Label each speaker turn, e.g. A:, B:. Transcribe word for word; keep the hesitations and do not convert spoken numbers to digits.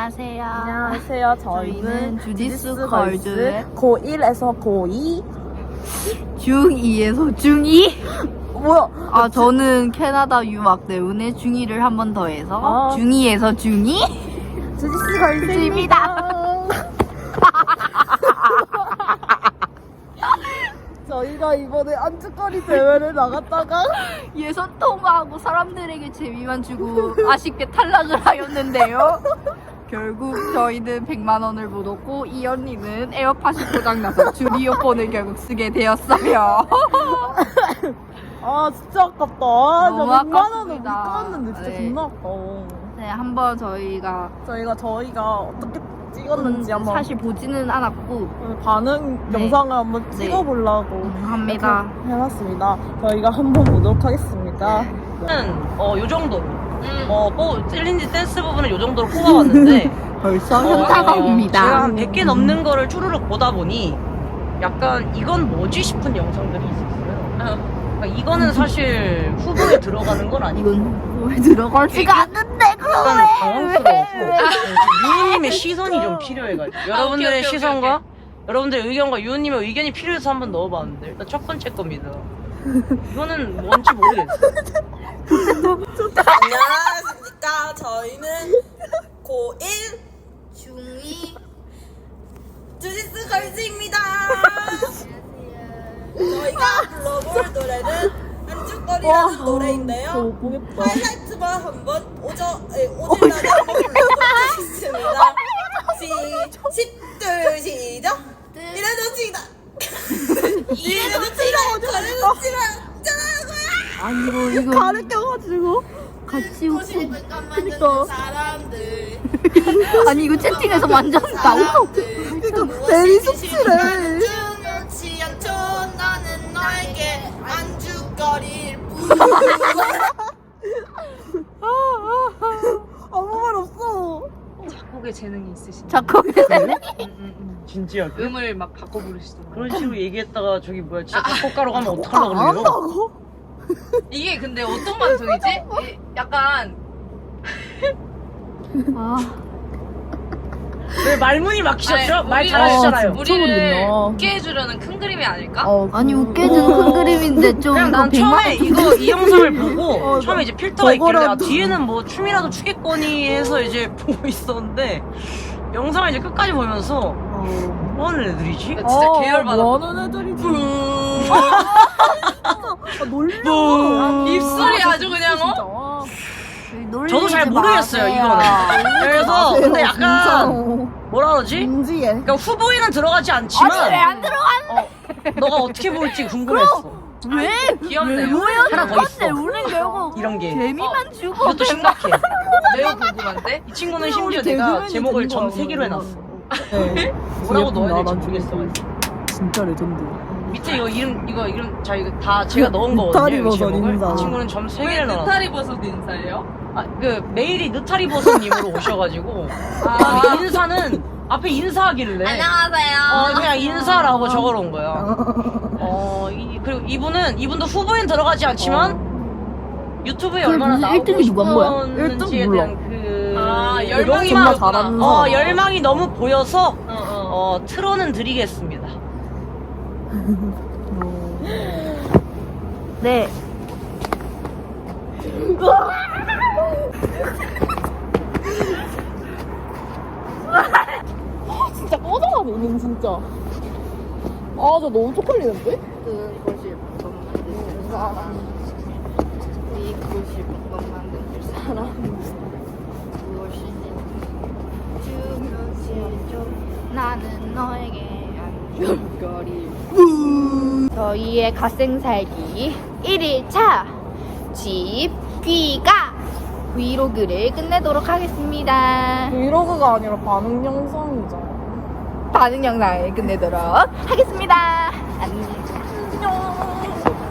A: 안녕하세요.
B: 안녕하세요.
A: 저희는
B: 저희는
A: 주디스
B: 주디스
A: 걸즈
B: 걸즈 고일에서 고이.
A: 중이에서 중이?
B: 뭐야?
A: 아 저는 캐나다 유학 때문에 중이를 한 번 더 해서
B: 아.
A: 중이에서 중이?
B: 주디스 걸즈입니다. 저희가 이번에 안주거리 대회를 나갔다가
A: 예선 통과하고 사람들에게 재미만 주고 아쉽게 탈락을 하였는데요. 결국 저희는 백만 원을 못 얻고 이 언니는 에어팟이 고장나서 줄 이어폰을 결국 쓰게 되었어요.
B: 아 진짜 아깝다. 아,
A: 너무
B: 저 백만 원을 못
A: 아깝습니다.
B: 끊었는데 진짜
A: 네.
B: 존나 아까워.
A: 네, 한번 저희가
B: 저희가 저희가 어떻게 찍었는지 한번
A: 사실 보지는 않았고
B: 반응
A: 네.
B: 영상을 한번
A: 네.
B: 찍어보려고
A: 합니다.
B: 이렇게 해봤습니다. 저희가 한번 보도록 하겠습니다.
C: 어, 요 정도로. 어, 뽑, 챌린지 댄스 부분은 요 정도로 뽑아왔는데.
A: 벌써
C: 어,
A: 현타가 옵니다.
C: 제가 한 백 개 넘는 거를 추르륵 보다 보니 약간 이건 뭐지 싶은 영상들이 있었어요. 그러니까 이거는 사실 후보에 들어가는 건 아니고.
A: 이건 왜 들어가지가 않는데
C: 약간
A: 그거에
C: 당황스러워서 유우님의 시선이 좀 필요해가지고 여러분들의 시선과 여러분들의 의견과 유우님의 의견이 필요해서 한번 넣어봤는데 일단 첫 번째 겁니다. 이거는 뭔지 모르겠어요.
B: 안녕하십니까. 저희는 고일
A: 중이
B: 주디스 걸즈입니다. 저희가 불러볼 노래는 안주거리라는 노래인데요. 하이라이트만 한번 오저, 에, 오질라게 한번 불러보도록 하겠습니다. 시, 십둘, 시작. 이래도 치다. 이래도 치다. 저래도 치다. 짜라고요.
A: 아니 이거 이거
B: 가를 껴가지고.
A: 같이 웃고
B: 그니까.
D: 사람들
A: 아니 이거 채팅에서 완전 나오고
B: 그니까 베리 숙취래.
D: 중요치 않죠. 나는 너에게 안주거릴 뿐.
B: 아무 말 없어.
D: 작곡에 재능이 있으신
A: 자꾸
C: 진지하게?
D: 음을 막 바꿔 부르시더라고요.
C: 그런 식으로 얘기했다가 저기 뭐야 진짜 작곡가로 가면 어떡하려고 그래요?
B: 안다고?
D: 이게 근데 어떤 방송이지? 이- 약간
A: 아
C: 왜 말문이 막히셨죠?
D: 아니,
C: 말
D: 우리를-
C: 잘하시잖아요.
D: 우리를
B: 미쳐버리겠네.
D: 웃게 해주려는 큰 그림이 아닐까?
B: 어,
A: 아니
B: 그-
A: 웃게는 큰 그림인데 좀
C: 그냥
A: 이거
C: 난
A: 백만
C: 처음에 이거 이 영상을 보고
B: 어,
C: 처음에 이제 필터가 있길래 아,
B: 저거라도.
C: 뒤에는 뭐 춤이라도 추겠거니 해서 이제 보고 있었는데 영상을 이제 끝까지 보면서
B: 어.
C: 뭐 하는 애들이지?
D: 나 진짜
B: 어,
D: 계열받아.
B: 뭐 하는 애들이지? 아, 놀려.
C: 뭐.
D: 입술이 아주 그냥 어?
B: 진짜. 와.
C: 저도 잘 모르겠어요 이거는. 그래서 근데 약간 뭐라 그러지?
B: 인지해.
C: 그러니까 후보에는 들어가지 않지만
A: 아니 왜 안 들어가?
C: 어, 너가 어떻게 볼지 궁금했어.
A: 왜?
D: 귀엽네요.
A: 뭐야
C: 하나 더 있어.
A: 근데 우리는 결국
C: 이런 게
A: 재미만 주고
C: 이것도 심각해.
D: 매우 궁금한데?
C: 이 친구는
B: 우리
C: 심지어
B: 되게
C: 내가
B: 유명해진
C: 제목을
B: 거야,
C: 점 세 개로
B: 그거.
C: 해놨어.
B: 네.
C: 뭐라고 넣어야 될지
B: 난
C: 모르겠어.
B: 진짜 레전드.
C: 밑에 이거 이름 이거 이름 자 이거 다 제가 넣은 거거든요.
B: 느타리
C: 이
B: 버섯
C: 제목을.
B: 인사.
C: 이 친구는 점 세
D: 왜
C: 개를 넣었어.
D: 느타리 버섯 인사예요?
C: 아, 그 메일이 느타리 버섯님으로 오셔가지고
D: 아.
C: 아, 인사는 앞에 인사하길래
D: 안녕하세요.
C: 어 그냥 인사라고 적어놓은 거야. 어 이, 그리고 이분은 이분도 후보엔 들어가지 않지만 유튜브에
A: 그게
C: 얼마나
A: 무슨
C: 나오고
A: 일 등이 누가 뭐야?
C: 싶었는지에
B: 일 등
C: 대한 그
D: 아,
C: 그
D: 열망이
B: 존나
D: 많았구나.
B: 잘하는
C: 어
B: 사람.
C: 열망이 너무 보여서
D: 어, 어.
C: 어 틀어는 드리겠습니다.
A: 네
B: 진짜 꺼져가 너는 진짜. 아, 저 너무 쪽팔리는데?
A: 그것이 볶음 만들 사람 이것이 볶음 만들 사람 무엇이 중요시죠 나는 너에게 안줄거리 저희의 갓생살기 일 일차 집 귀가 브이로그를 끝내도록 하겠습니다.
B: 브이로그가 아니라 반응 영상이잖아.
A: 반응 영상을 끝내도록 하겠습니다. 안녕.